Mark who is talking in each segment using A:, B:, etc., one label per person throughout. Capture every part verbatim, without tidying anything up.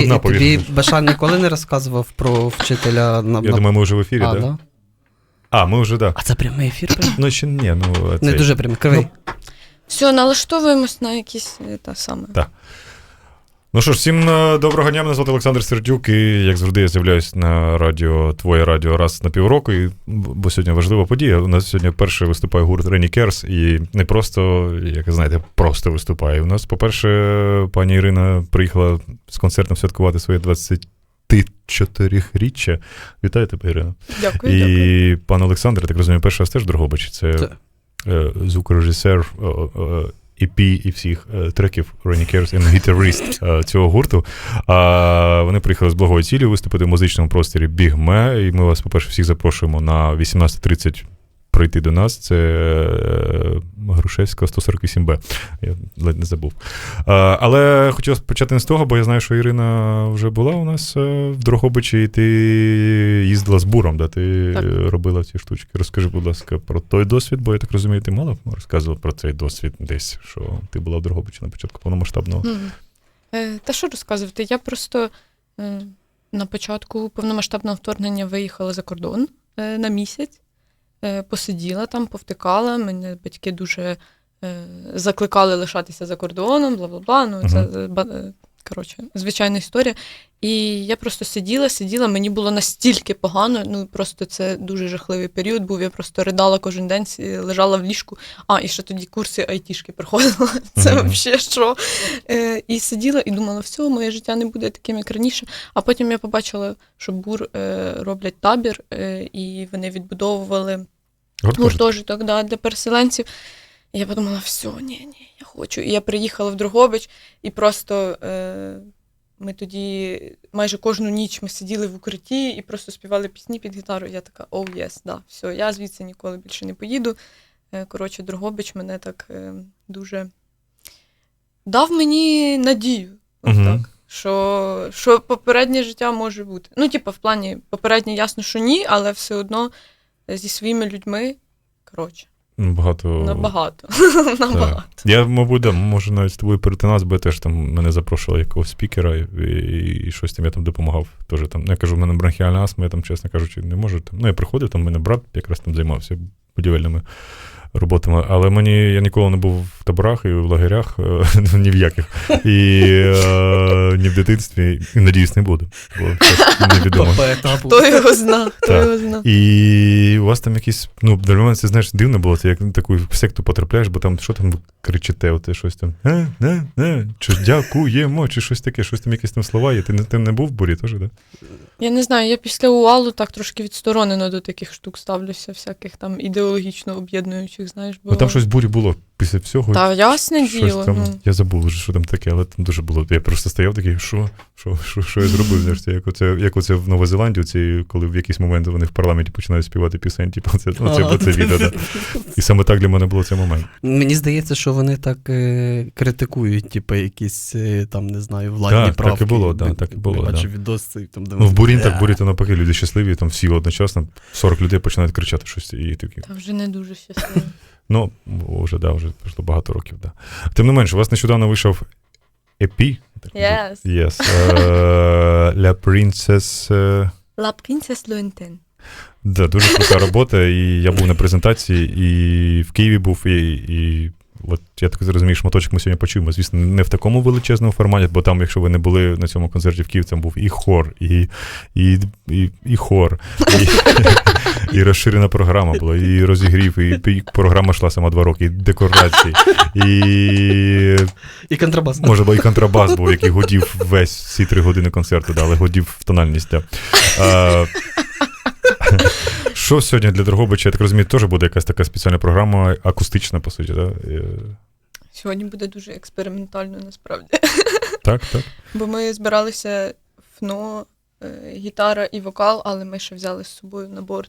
A: Стіна
B: повішена. Тобі Бешан ніколи не розказував про вчителя? На,
A: Я на... думаю, ми вже в ефірі, так?
B: А,
A: да?
B: да?
A: А, ми вже, так. Да.
B: А це прямий ефір?
A: Ну, ще ні. Ну,
B: не дуже прямий, кривий. Ну,
C: все, налаштовуємось на якісь та саме.
A: Так. Ну що ж, всім доброго дня, мене звати Олександр Сердюк, і, як завжди, я з'являюсь на радіо, твоє радіо раз на півроку, і, бо сьогодні важлива подія. У нас сьогодні вперше виступає гурт Rainy Cares, і не просто, як знаєте, просто виступає. У нас, по-перше, пані Ірина приїхала з концертом святкувати своє двадцятичотириріччя. Вітаю тебе, Ірина.
C: Дякую,
A: і
C: дякую.
A: Пан Олександр, я так розумію, перший раз теж в Дрогобичі. Це, Це. звукорежисер і пі і всіх е, треків Rainy Cares і гітарист е, цього гурту. А вони приїхали з благої цілі виступити в музичному просторі Бігме, і ми вас, по-перше, всіх запрошуємо на вісімнадцята тридцять прийти до нас. Це е, Грушевська, сто сорок вісім Б. Я ледь не забув. А, але хотів почати не з того, бо я знаю, що Ірина вже була у нас в Дрогобичі, і ти їздила з буром, да? Ти так. робила ці штучки. Розкажи, будь ласка, про той досвід, бо я так розумію, ти мало розказувала про цей досвід десь, що ти була в Дрогобичі на початку повномасштабного.
C: Mm. Е, та що розказувати? Я просто е, на початку повномасштабного вторгнення виїхала за кордон е, на місяць. Посиділа там, повтикала, мене батьки дуже е, закликали лишатися за кордоном, бла-бла-бла, ну це, uh-huh. коротше, звичайна історія. І я просто сиділа, сиділа, мені було настільки погано, ну просто це дуже жахливий період був, я просто ридала кожен день, лежала в ліжку, а, і ще тоді курси айтішки проходила, це uh-huh. взагалі що. Е, і сиділа і думала, все, моє життя не буде таким, як раніше. А потім я побачила, що БУР е, роблять табір, е, і вони відбудовували гуртожиток да, для переселенців. І я подумала, все, ні, ні, я хочу. І я приїхала в Дрогобич, і просто е, ми тоді майже кожну ніч ми сиділи в укритті і просто співали пісні під гітару. І я така, оу, oh, єс, yes, да, все, я звідси ніколи більше не поїду. Е, коротше, Дрогобич мене так е, дуже дав мені надію. От uh-huh. так. Що, що попереднє життя може бути. Ну, типу, в плані, попереднє ясно, що ні, але все одно зі своїми людьми, коротше.
A: Багато.
C: Набагато. Набагато.
A: Я, мабуть, да, можу навіть з тобою перетинатися, бо я теж там мене запрошували якогось спікера, і, і, і щось там я там допомагав. Теж там, я кажу, в мене бронхіальна астма, я там, чесно кажучи, не можу. Там. Ну, я приходив, там в мене брат якраз там займався будівельними роботами, але мені, я ніколи не був в таборах і в лагерях, ні в яких, і е, ні в дитинстві, і, надіюсь, не буду, бо це невідомо.
C: Хто його зна, хто його зна.
A: І у вас там якісь, ну, для мене це, знаєш, дивно було, ти як на таку секту потрапляєш, бо там, що там кричите, оте щось там, е, не, не, чи дякуємо, чи щось таке, щось там, якісь там слова є, ти не, ти не був в бурі теж, так? Да?
C: Я не знаю, я після УАЛу так трошки відсторонено до таких штук ставлюся, всяких там ідеологічно об'єднуючих, знаєш. Бо...
A: Ну, там щось в бурі було після всього.
C: Та, ясне діло.
A: Там,
C: ну.
A: Я забув, що там таке, але там дуже було. Я просто стояв такий, що, що, що, що я зробив? Знаєш, як оце, як оце в Новій Зеландії, ці, коли в якийсь момент вони в парламенті починають співати пісень, типу, це, оце, оце відео. Да. І саме так для мене було цей момент.
B: Мені здається, що вони так е, критикують, типу, якісь, е, там, не знаю, владні так, правки.
A: Так і було, да, так і було.
B: Бачу
A: да.
B: відоси. Там, де
A: ну, в бурі так, в бурі то навпаки, люди щасливі, там всі одночасно, сорок людей починають кричати щось. І такі.
C: Та вже не дуже щасливі.
A: Ну, вже, да, вже пройшло багато років, да. Тим не менше, у вас нещодавно вийшов і пі.
C: Yes.
A: Yes. Uh, La Princess... Uh...
C: La Princess Lointain.
A: Да, дуже крута робота, і я був на презентації, і в Києві був, і, і от я так зрозумію, шматочок ми сьогодні почуємо. Звісно, не в такому величезному форматі, бо там, якщо ви не були на цьому концерті в Києві, там був і хор, і, і, і, і хор, і, і розширена програма була, і розігрів, і, і програма йшла сама два роки, і декорації, і...
B: І контрабас.
A: Може, бо і контрабас був, який гудів весь ці три години концерту, да, але гудів в тональність. Да. А, що сьогодні для Дрогобича, я так розумію, теж буде якась така спеціальна програма, акустична, по суті, так? Да?
C: Сьогодні буде дуже експериментально, насправді.
A: Так, так.
C: Бо ми збиралися фно, гітара і вокал, але ми ще взяли з собою на борт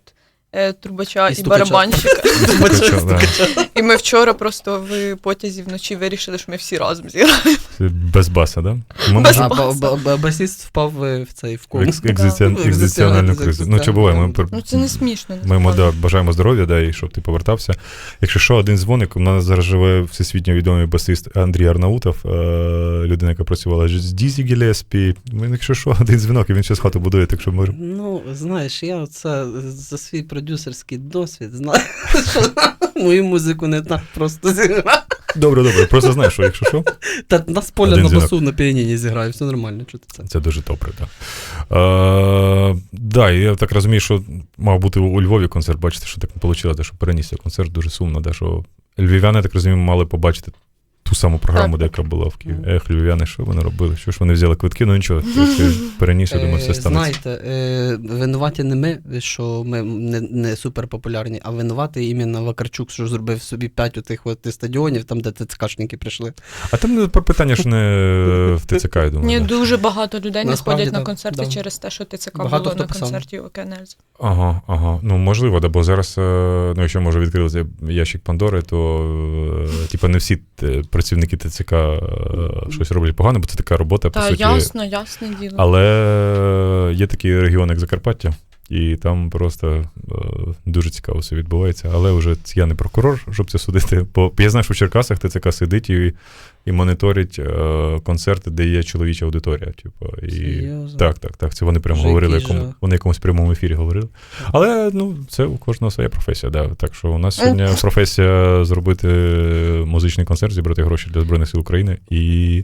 C: е, трубача
B: І
C: і,
B: стукача.
C: барабанщика.
A: Стукача, да.
C: І ми вчора просто в потязі вночі вирішили, що ми всі разом зіграємо.
A: Без баса, да? Ми
C: Без
B: А
A: можемо
C: баса.
B: ба- ба- басіст впав в в цей в
A: в
B: кому.
A: екс- екзистен-
B: Да.
A: екзистенціональну кризу. Ну, чи буває, ми пер-
C: Ну це не смішно.
A: Ми йому
C: насправді.
A: да, бажаємо здоров'я, да, і щоб ти повертався. Якщо що, один дзвоник, у нас зараз живе всесвітньо відомий басист Андрій Арнаутов, е- людина, яка працювала з Дізі Гілеспі. Якщо що, один дзвінок, і він зараз хату будує, так що може.
B: Ну, знаєш, я оце за свій продюсерський досвід знаю, що мою музику не так просто зіграти.
A: Добре, добре, просто знаєш, що якщо що,
B: Та на з поля
A: Один
B: на
A: дзвінок.
B: басу на піаніні зіграю, все нормально, чути це.
A: це дуже добре, так. Да. Е- да, і я так розумію, що мав бути у Львові концерт, бачите, що так не вийшло, що перенісся концерт, дуже сумно, да, що львів'яни, так розумію, мали побачити ту саму програму,
C: Так.
A: де яка була в Києві.
B: Мгм.
A: Ех, львів'яни, що вони робили? Що ж вони взяли квитки? Ну нічого, якщо переніс, я думаю, все
B: Е,
A: станеться.
B: Знаєте, е, винуваті не ми, що ми не, не супер популярні, а винуватий іменно Вакарчук, що зробив собі п'ять отих от стадіонів, там, де ТЦКшники прийшли.
A: А там не про питання, що не в ТЦК, я думаю.
C: Ні,
A: да.
C: дуже багато людей не
B: Насправді,
C: ходять на
B: да,
C: концерти
B: да.
C: через те, що ТЦК
B: Багато
C: було
B: хто
C: на
B: писав.
C: концерті у Кенельзі.
A: Ага, ага. Ну, можливо, да, бо зараз, е, ну, якщо може відкрити ящик Пандори, то е, типа не всі е, працівники ТЦК е, щось роблять погано, бо це така робота, по
C: Та
A: суті.
C: ясно, ясне діло.
A: Але є такий регіон, як Закарпаття, і там просто е, дуже цікаво все відбувається. Але вже я не прокурор, щоб це судити. Бо я знаю, що в Черкасах ТЦК сидить і, і моніторить е, концерти, де є чоловіча аудиторія. Типу, і...
B: Серйозно?
A: Так, так, так. Це вони прямо
B: Вже
A: говорили,
B: який
A: якому,
B: жах.
A: вони в якомусь прямому ефірі говорили. Але ну, це у кожного своя професія. Да. Так що у нас сьогодні професія зробити музичний концерт, зібрати гроші для Збройних сил України і,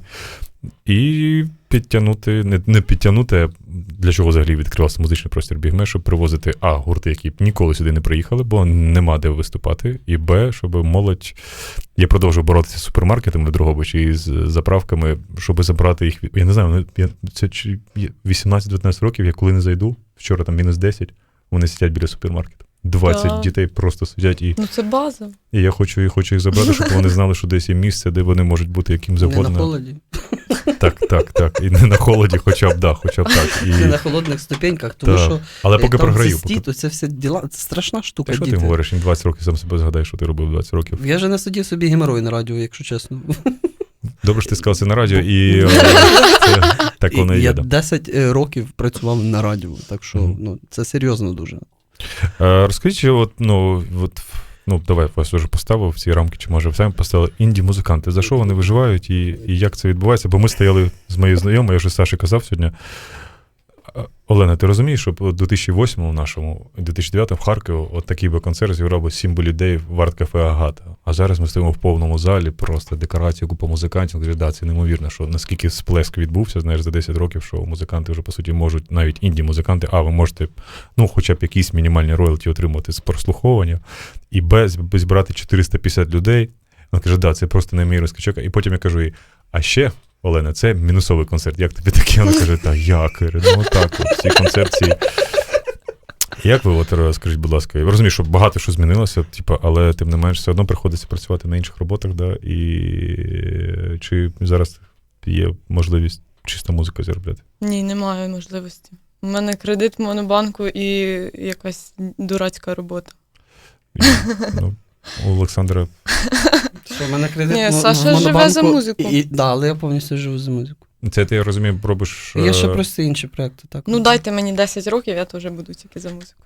A: і підтягнути, не, не підтягнути, а для чого взагалі відкривався музичний простір Бігме, щоб привозити а, гурти, які б ніколи сюди не приїхали, бо нема де виступати, і б, щоб молодь. Я продовжую боротися з супермаркетами в Дрогобичі і з заправками, щоб забрати їх. Я не знаю, я, це чи вісімнадцять-дев'ятнадцять років, я коли не зайду, вчора там мінус десять, вони сидять біля супермаркету. двадцять
C: Так.
A: дітей просто сидять, і,
C: Ну це база.
A: і я хочу, і хочу їх забрати, щоб вони знали, що десь є місце, де вони можуть бути яким
B: Не на
A: завгодно.
B: холоді,
A: Так, так, так. І не на холоді, хоча б, да, хоча б так. І...
B: не на холодних ступеньках, тому
A: Так.
B: що
A: Але
B: е,
A: поки
B: там
A: програю.
B: застій,
A: Поки...
B: то це все діла, це страшна штука,
A: Та що ти
B: діти.
A: говориш, їм двадцять років, сам себе згадай, що ти робив двадцять років.
B: Я же не сидів собі геморой на радіо, якщо чесно.
A: Добре, що ти сказав це на радіо, і о, це, так воно і
B: Я
A: є. Да.
B: десять років працював на радіо, так що
A: Мгм.
B: ну, це серйозно дуже.
A: Е, Розкажіть, от, ну, от, ну, давай вас вже поставив в ці рамки, чи може самі поставили інді-музиканти. За що вони виживають і, і як це відбувається? Бо ми стояли з моєю знайомою, я вже Саші казав сьогодні. Е, Олена, ти розумієш, що у дві тисячі восьмому нашому, дві тисячі дев'ятому в Харкові от такий би концерт зіграв би сім би людей в арт-кафе Агата. А зараз ми стоїмо в повному залі, просто декорації, купа музикантів. Кажуть, да, це неймовірно, що наскільки сплеск відбувся, знаєш, за десять років, що музиканти вже, по суті, можуть, навіть інді-музиканти, а ви можете, ну, хоча б якісь мінімальні роялті отримувати з прослуховування, і без, без брати чотириста п'ятдесят людей. Вона каже, да, це просто неймовірний скачок. І потім я кажу їй, а ще, Олена, це мінусовий концерт. Як тобі таке? Вона каже, та як? Я говорю, ну так, от, всі концепції. Як ви, от, скажіть, будь ласка, я розумію, що багато що змінилося, типу, але тим не менш все одно приходиться працювати на інших роботах, да? І чи зараз є можливість чисто музика заробляти?
C: Ні, немає можливості. У мене кредит в Монобанку і якась дурацька робота.
A: І, ну, у Олександра
B: Що, в мене кредит
C: Ні,
B: в- в
C: Саша живе
B: Монобанку,
C: за музику.
B: І, і, да, але я повністю живу за музику.
A: це ти, я розумію, робиш.
B: Є ще
A: е,
B: просто інші проекти. Так.
C: Ну дайте мені десять років, я теж буду тільки за музику.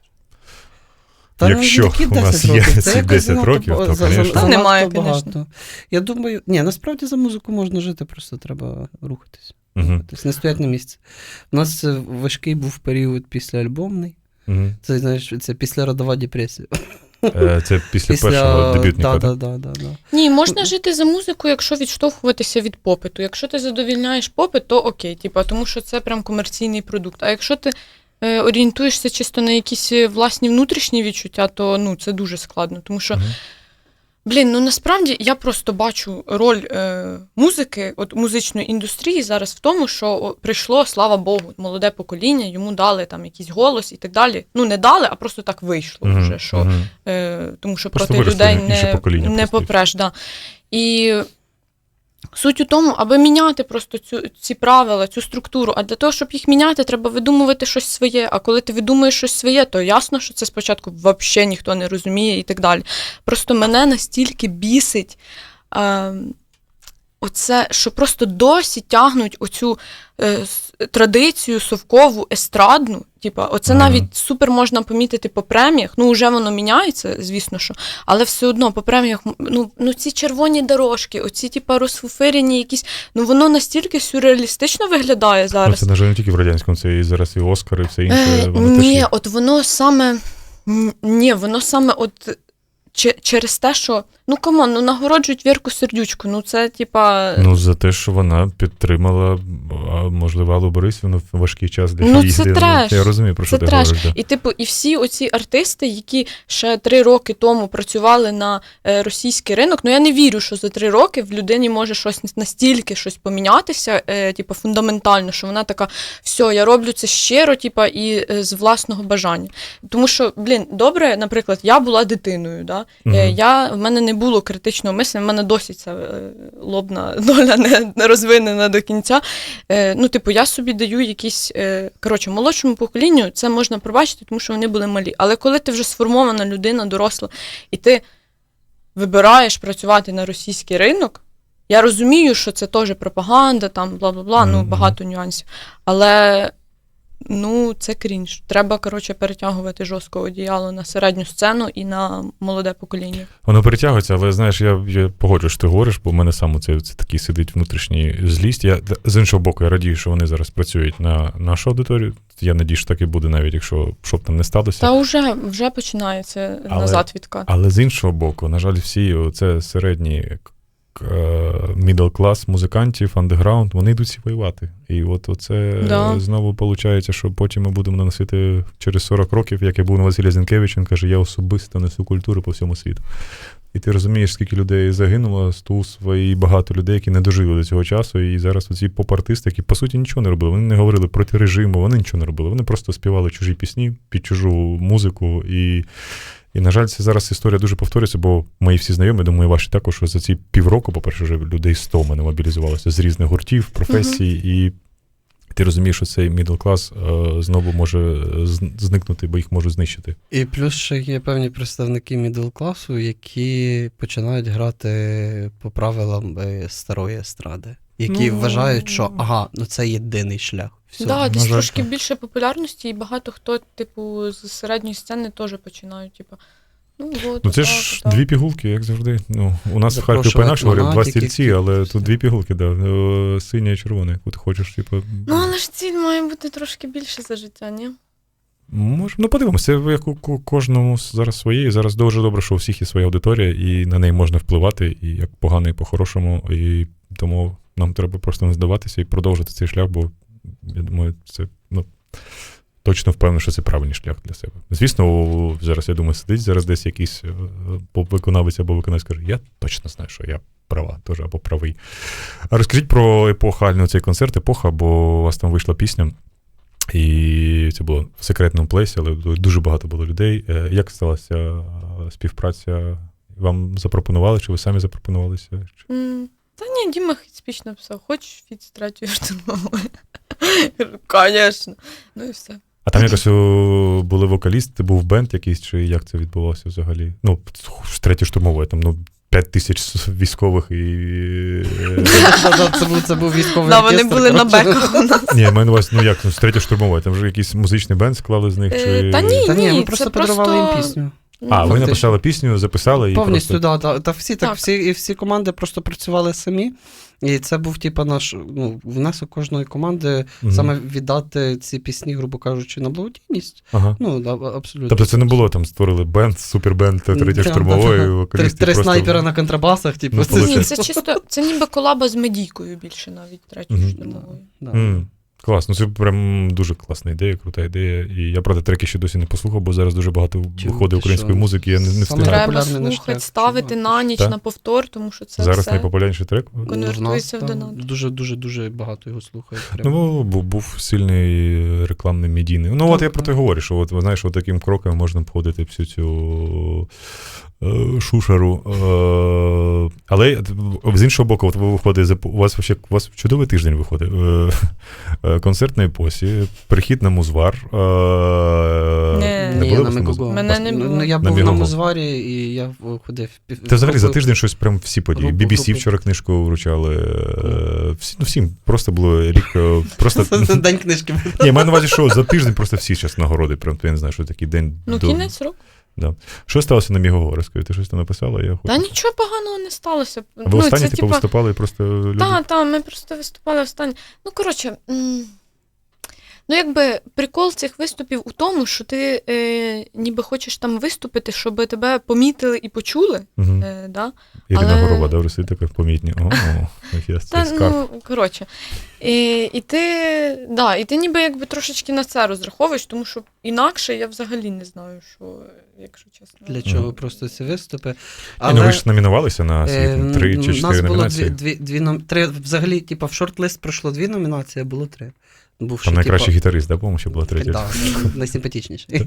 B: Та
A: Якщо
B: які
A: у нас
B: десять
A: є
B: років?
A: ці
B: Це якось
A: десять
B: занадто
A: років,
B: ба-
A: то,
B: за-
A: конечно.
B: за-
C: Та
B: занадто
C: немає,
B: багато.
C: конечно.
B: Я думаю, ні, насправді за музику можна жити, просто треба рухатись.
A: Угу,
B: Тобто не стоять на місці. У нас е, важкий був період післяальбомний.
A: угу.
B: Це, знаєш, це післяродова депресія.
A: Е, Це після, першого дебютника.
B: Да,
A: так?
B: да, да, да, да.
C: Ні, можна жити за музику, якщо відштовхуватися від попиту. Якщо ти задовільняєш попит, то окей, типу, тому що це прям комерційний продукт. А якщо ти е, орієнтуєшся чисто на якісь власні внутрішні відчуття, то ну, це дуже складно. Тому що,
A: Мгм.
C: блін, ну насправді я просто бачу роль е, музики, от музичної індустрії зараз в тому, що о, прийшло, слава Богу, молоде покоління, йому дали там якийсь голос і так далі. Ну, не дали, а просто так вийшло
A: Мгм,
C: вже, що
A: мгм.
C: Е, тому що
A: Просто
C: проти
A: виросли
C: людей
A: інше
C: не,
A: покоління
C: не
A: просто, і
C: попреш. Да. І Суть у тому, аби міняти просто цю, ці правила, цю структуру. А для того, щоб їх міняти, треба видумувати щось своє. А коли ти видумуєш щось своє, то ясно, що це спочатку взагалі ніхто не розуміє і так далі. Просто мене настільки бісить е, оце, що просто досі тягнуть оцю е, традицію совкову, естрадну. Типа, оце mm-hmm. навіть супер можна помітити по преміях. Ну, вже воно міняється, звісно, що. Але все одно по преміях, ну, ну ці червоні дорожки, оці, типа, розфуфирені якісь, ну, воно настільки сюрреалістично виглядає зараз.
A: Ну, це, на жаль, не тільки в радянському, це і зараз і Оскар, і все інше.
C: Е, ні, є. От воно саме, ні, воно саме от через те, що, ну, камон, ну, нагороджують Вірку Сердючку, ну, це, типа...
A: Ну, за те, що вона підтримала, можливо, Аллу Борисівну в важкий час для
C: ну,
A: її.
C: Це треш.
A: Я розумію, про що
C: це
A: ти
C: треш.
A: говориш. Да.
C: І, типу, і всі оці артисти, які ще три роки тому працювали на е, російський ринок, ну, я не вірю, що за три роки в людині може щось настільки щось помінятися, е, типу, фундаментально, що вона така, все, я роблю це щиро, типу, і е, з власного бажання. Тому що, блін, добре, наприклад, я була дитиною, да? Угу. Е, я, в мене не було критичного мислення, в мене досі ця е, лобна доля не, не розвинена до кінця. Е, ну, типу, я собі даю якісь, е, коротше, молодшому поколінню це можна пробачити, тому що вони були малі. Але коли ти вже сформована людина, доросла, і ти вибираєш працювати на російський ринок, я розумію, що це теж пропаганда, там, бла-бла-бла, mm-hmm. ну, багато нюансів. Але, ну, це крінж. Треба, коротше, перетягувати жорстко одіяло на середню сцену і на молоде покоління.
A: Воно перетягується, але, знаєш, я, я погоджуюсь, що ти говориш, бо в мене саме це, це такий сидить внутрішній злість. Я, з іншого боку, я радію, що вони зараз працюють на нашу аудиторію. Я надію, що так і буде, навіть якщо що б там не сталося.
C: Та вже, вже починається але, назад відкат.
A: Але з іншого боку, на жаль, всі це середні middle клас музикантів, андеграунд, вони йдуть всі воювати. І от оце да. знову виходить, що потім ми будемо наносити через сорок років, як я був на Василія Зінкевича, він каже, я особисто несу культуру по всьому світу. І ти розумієш, скільки людей загинуло з Тусва, і багато людей, які не дожили до цього часу, і зараз оці поп-артисти, які, по суті, нічого не робили. Вони не говорили проти режиму, вони нічого не робили. Вони просто співали чужі пісні під чужу музику. І, і на жаль, це зараз історія дуже повторюється, бо мої всі знайомі, думаю, ваші також, що за ці півроку, по-перше, вже людей сто мене мобілізувалося з різних гуртів, професій, uh-huh. і ти розумієш, що цей middle клас е, знову може зникнути, бо їх можуть знищити.
B: І плюс ще є певні представники middle класу, які починають грати по правилам старої естради, які ну, вважають, що ага, ну це єдиний шлях.
C: Так, да, десь трошки більше популярності, і багато хто, типу, з середньої сцени теж починають, типу, ну, от,
A: ну це
C: так,
A: ж
C: так.
A: дві пігулки, як завжди. Ну, у нас в Харкові по-інакше говорять, два стільці, але тут дві пігулки, да, синя і червона, яку ти хочеш, типу.
C: Ну, але ж ціль має бути трошки більше за життя, ні?
A: Може, ну подивимося, це як у кожному зараз своє, і зараз дуже добре, що у всіх є своя аудиторія, і на неї можна впливати, і як погано, і по-хорошому, і тому нам треба просто не здаватися і продовжити цей шлях, бо я думаю, це, ну, точно впевнений, що це правильний шлях для себе. Звісно, зараз, я думаю, сидить зараз десь якийсь поп-виконавець або виконавець каже, я точно знаю, що я права теж або правий. А розкажіть про епохальний цей концерт, епоха, бо у вас там вийшла пісня, і це було в секретному плейсі, але дуже багато було людей. Як сталася співпраця? Вам запропонували, чи ви самі запропонувалися?
C: Mm. Та ні, Діма спіч написав, хочеш фіт з третьою штурмовою? Звісно. Ну і все.
A: А там якось були вокалісти, був бенд якийсь, чи як це відбувалося взагалі? Ну, з третьої штурмової, там, ну, п'ять тисяч військових і...
B: Це був військовий
C: оркестр. Вони були на беках у нас.
A: Ні, я маю на увазі, ну як, з третьої штурмової, там вже якийсь музичний бенд склали з них, чи...
C: Та ні, ні,
B: ми просто подарували їм пісню.
A: А, ви написали пісню, записали і
B: повністю,
A: просто...
B: да, та всі, так, всі, і всі команди просто працювали самі. І це був, типу, наш, ну, внесок кожної команди, mm-hmm. саме віддати ці пісні, грубо кажучи, на благодійність. Ага. Ну, да, абсолютно.
A: Тобто це не було, там, створили бенд, супербенд третьої штурмової, вокалісти.
B: Три
A: просто...
B: снайпера на контрабасах, типу.
A: Ну,
C: це... Ні, це чисто, це ніби колаба з Медійкою більше навіть, третьої mm-hmm. штурмової.
B: Да, да. Mm.
A: Клас, ну це прям дуже класна ідея, крута ідея. І я, правда, треки ще досі не послухав, бо зараз дуже багато виходить української музики, я не, не встигаю.
C: Треба слухати, ставити на ніч, та? На повтор, тому що це
A: зараз
C: все
A: найпопулярніший трек.
C: Конвертується в донат.
B: Дуже-дуже-дуже багато його слухають.
A: Ну, був, був сильний рекламний медійний. Ну, так, от я про те говорю, що от, ви знаєш, от таким кроком можна обходити всю цю Шушару. Але з іншого боку, от ви виходите, у вас вообще у вас чудовий тиждень виходить. Концерт на Епосі, прихід на Музвар.
C: Не,
B: Ні,
A: було
B: на
A: вас на
B: Мегого.
C: Мене не було.
B: Ну, я
A: На
B: був на
A: Мегого.
B: Музварі, і я ходив.
A: Та взагалі за тиждень щось прям всі події.
B: Групу,
A: бі бі сі
B: групу.
A: вчора книжку вручали. Всі, ну, всім просто було рік. Просто...
B: Це день книжки.
A: Ні, я маю на увазі, що за тиждень просто всі зараз нагороди. Прям, я не знаю, що такий день.
C: Ну,
A: до...
C: кінець року.
A: Да. Що сталося на Мегого? Розкажи, ти щось там написала? Я
C: Та нічого поганого не сталося.
A: А ви останні, типу,
C: типа...
A: виступали і просто люди?
C: Так, так, ми просто виступали останні. Ну, коротше, м- ну, якби прикол цих виступів у тому, що ти е, ніби хочеш там виступити, щоб тебе помітили і почули.
A: Угу.
C: Е, да?
A: Ірина
C: Але-
A: Горова, добре, сидить така помітні. О, я
C: Та,
A: цей скарб.
C: ну, коротше. І, і, ти, да, і ти ніби якби трошечки на це розраховуєш, тому що інакше я взагалі не знаю, що, якщо чесно.
B: Для чого
A: Мгм.
B: просто ці виступи.
A: Ні,
B: Але,
A: ну ви ж номінувалися на
B: е,
A: світ, три чи
B: у нас
A: чотири
B: було
A: номінації.
B: дві, дві, дві ном... три, взагалі, типу, в шорт-лист пройшло дві номінації, а було три. Був ще,
A: Там найкращий
B: типу,
A: гітарист, да, по-моєму, ще була третя.
B: Так, найсимпатичніший.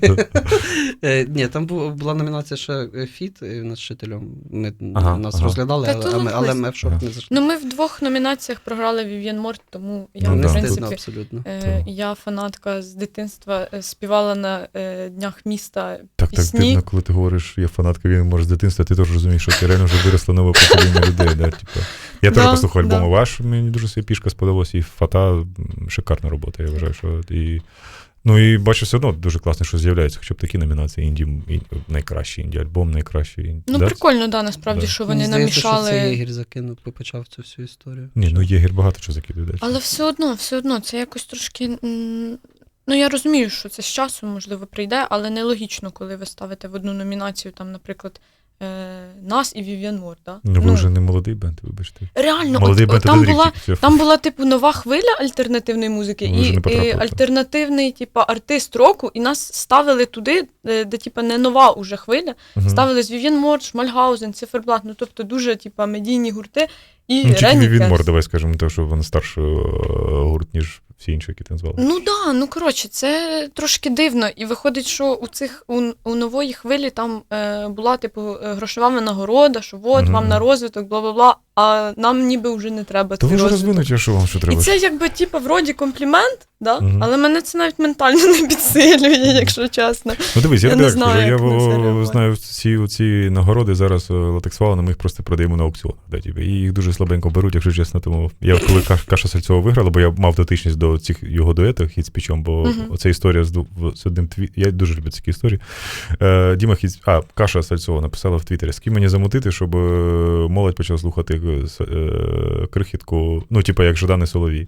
B: Е, Ні, там бу- була номінація ще е, фіт е, над вчителем. Ми
A: Ага,
B: нас
A: ага.
B: розглядали,
C: Та
B: але,
C: то
B: але, але
C: лист.
B: ми в шорт
A: Ага.
B: не зайшли.
C: Ну, ми в двох номінаціях програли Вів'єн Морт, тому я,
A: Ну,
C: в
A: да.
B: Не
C: принципі,
B: стидно абсолютно.
C: е,
A: Так.
C: я фанатка з дитинства, е, співала на е, Днях міста
A: Так, так
C: пісні.
A: дивно, коли ти говориш, я фанатка, він може з дитинства, ти теж розумієш, що ти реально вже виросло нове покоління людей. Да, типу. Я теж
C: Да,
A: послухав альбоми
C: да.
A: ваш, мені дуже своя пішка сподобалась, і Фата м, шикарна робота, я вважаю, що і... Ну і бачу, все одно дуже класно, що з'являється хоча б такі номінації, інді, ін- найкращий інді-альбом, найкращий інді.
C: Ну,
A: да?
C: прикольно, да, насправді,
A: Да.
C: що
B: Мені
C: вони
B: здається,
C: намішали.
B: що це Єгір закинув, почав цю всю історію.
A: Ні, ну Єгір багато чого закидує. Да.
C: Але все одно, все одно, це якось трошки. м, Ну, я розумію, що це з часом, можливо, прийде, але нелогічно, коли ви ставите в одну номінацію, там, наприклад, е, нас і Вів'єн Морт. Да?
A: Ну ви вже не молодий бенд, вибачте.
C: Реально,
A: Молодий
C: от,
A: бенд
C: от, там,
A: один рік
C: була,
A: тільки. Все.
C: там була, типу, нова хвиля альтернативної музики
A: Ви вже
C: і,
A: не потрапили
C: і
A: там.
C: альтернативний, типу, артист року, і нас ставили туди, де, де типу, не нова уже хвиля.
A: Мгм.
C: Ставили з Вів'єн Морт, Шмальгаузен, Циферблат, ну, тобто дуже, типу, медійні гурти. І
A: Ну, тільки
C: Рені
A: він
C: Кенс.
A: мор, давай скажемо, тому що він старший е, гурт, ніж всі інші, які ти назвали.
C: Ну да, ну коротше, це трошки дивно. І виходить, що у цих у, у нової хвилі там е, була типу е, грошова винагорода, що от
A: Мгм.
C: вам на розвиток, бла бла бла. А нам ніби вже не треба
A: То ви
C: цей
A: вже
C: розвиток.
A: розвинуті, а що вам що
C: І
A: треба?
C: це якби типу, вроді комплімент, да?
A: Мгм.
C: Але мене це навіть ментально не підсилює, якщо чесно.
A: Ну дивись, я,
C: Я
A: тобі
C: не
A: так скажу,
C: знаю,
A: я
C: як на це
A: о,
C: реагувати.
A: знаю ці, ці нагороди зараз е, латексвалами, ми їх просто продаємо на аукціонах. Да, типу, і їх дуже слабенько беруть, якщо чесно. Тому я коли Каш- Каша Сальцова виграла, бо я мав дотичність до цих його дуетів хіт з пічом, бо
C: Мгм.
A: оця історія з, ду- з одним тві... Я дуже люблю такі історії. Е, Діма Хіт... А, Каша Сальцова написала в Твіттері, з ким мені замутити, щоб е, молодь почала слухати е, с- е, крихітку, ну, типу, як Жадан і Соловій.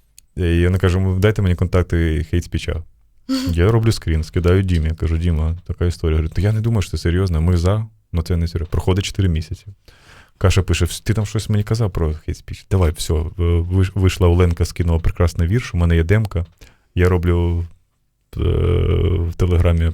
A: І вона каже, дайте мені контакти хейт-спіча. Я роблю скрін, скидаю Дімі. Я кажу, Діма, така історія. Говорю, то я не думаю, що це серйозно, ми за, але це не серйозно. Проходить чотири місяці. Каша пише, ти там щось мені казав про хейт-спіч. Давай, все, виш- вийшла Оленка, скинула прекрасний вірш, у мене є демка, я роблю е, в Телеграмі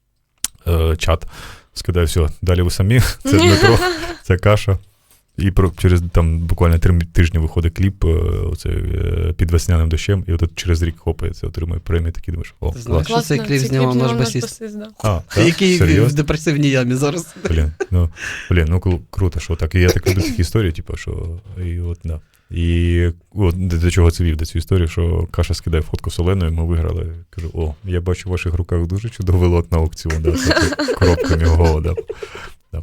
A: е, чат, скидаю, все, далі ви самі, це Дмитро, це Каша. І про, через там буквально три тижні виходить кліп е, оце, е, під весняним дощем, і от через рік хопається, отримує премію, такий думаєш, о,
B: Ти знаєш,
A: клас.
B: що цей кліп знімав наш басіст?
C: да.
A: А, так?
B: Який в
A: Серйозно?
B: депресивній ямі зараз.
A: Блін, ну, блін, ну кру- круто, що так. І я так люблю такі історії, типу, що і от, да. І от до, до чого це вів, до цю історію, що Каша скидає фотку з Оленою, ми виграли. Кажу, о, я бачу в ваших руках дуже чудовий лот на аукціон, да, з коробками його, да. Да.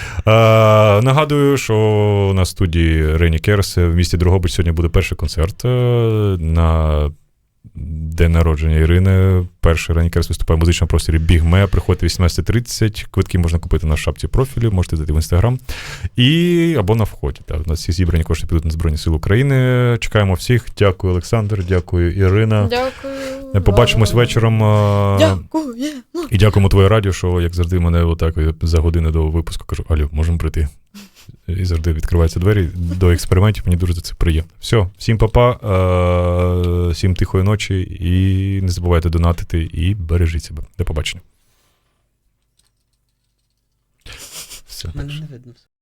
A: А, нагадую, що на студії Рені Керс в місті Дрогобич сьогодні буде перший концерт е, на день народження Ірини. Перший Рені Керс виступає в музичному просторі Бігме. Приходьте вісімнадцята тридцять. Квитки можна купити на шапці профілю, можете зайти в Інстаграм. І або на вході. Так. У нас всі зібрані кошти підуть на Збройні Сили України. Чекаємо всіх. Дякую, Олександр, дякую, Ірина.
C: Дякую.
A: Побачимось вечором. е,
C: Дякую.
A: І дякуємо твоє радіо, що, як завжди, мене отак за годину до випуску кажу, алло, можемо прийти. І завжди відкриваються двері до експериментів, мені дуже за це приємно. Все, всім па-па, е- всім тихої ночі, і не забувайте донатити, і бережіть себе. До побачення. Все,
B: Мене
A: так.
B: не видно.